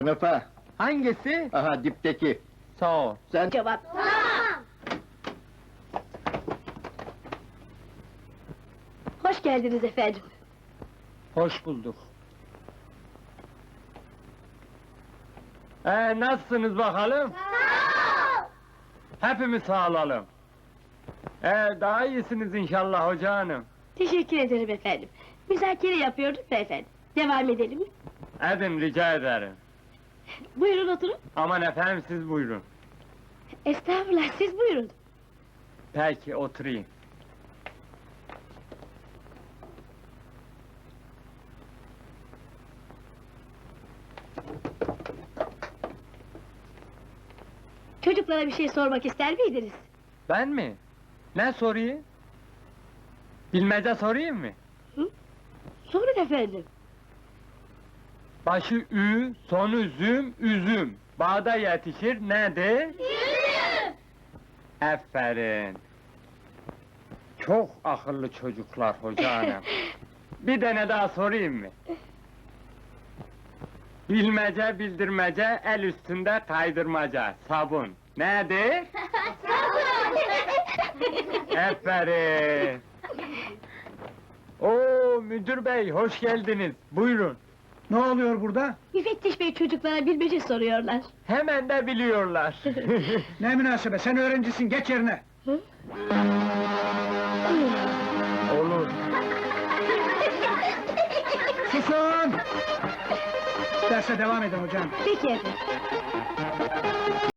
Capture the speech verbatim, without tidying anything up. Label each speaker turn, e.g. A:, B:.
A: Sınıfa,
B: Hangisi?
A: aha dipteki.
B: Sağ ol.
A: Sen
C: Cevap. Hoş geldiniz efendim.
B: Hoş bulduk. Ee, nasılsınız bakalım? Hepimiz sağ olalım. Ee, daha iyisiniz inşallah hoca hanım.
C: Teşekkür ederim efendim. Müzakere yapıyorduk da efendim. Devam edelim mi?
B: Edin rica ederim.
C: Buyurun oturun.
B: Aman efendim siz buyurun.
C: Estağfurullah, siz buyurun.
B: Peki oturayım.
C: Çocuklara bir şey sormak ister miydiniz?
B: Ben mi? Ne sorayım? Bilmece sorayım mı?
C: Sorun efendim.
B: Başı ü, sonu züm, üzüm. Bağda yetişir nedir?
C: Üzüm!
B: Aferin. Çok akıllı çocuklar hoca hanım. Bir tane daha sorayım mı? Bilmece bildirmece, el üstünde kaydırmaca, sabun. Nedir? Aferin. Oo müdür bey, hoş geldiniz. Buyurun.
D: Ne oluyor burada?
C: Müfettiş bey çocuklara bilmece soruyorlar.
B: Hemen de biliyorlar.
D: Ne münasebet, sen öğrencisin, geç yerine!
B: Olur.
D: Susun! Derse devam edin hocam.
C: Peki efendim.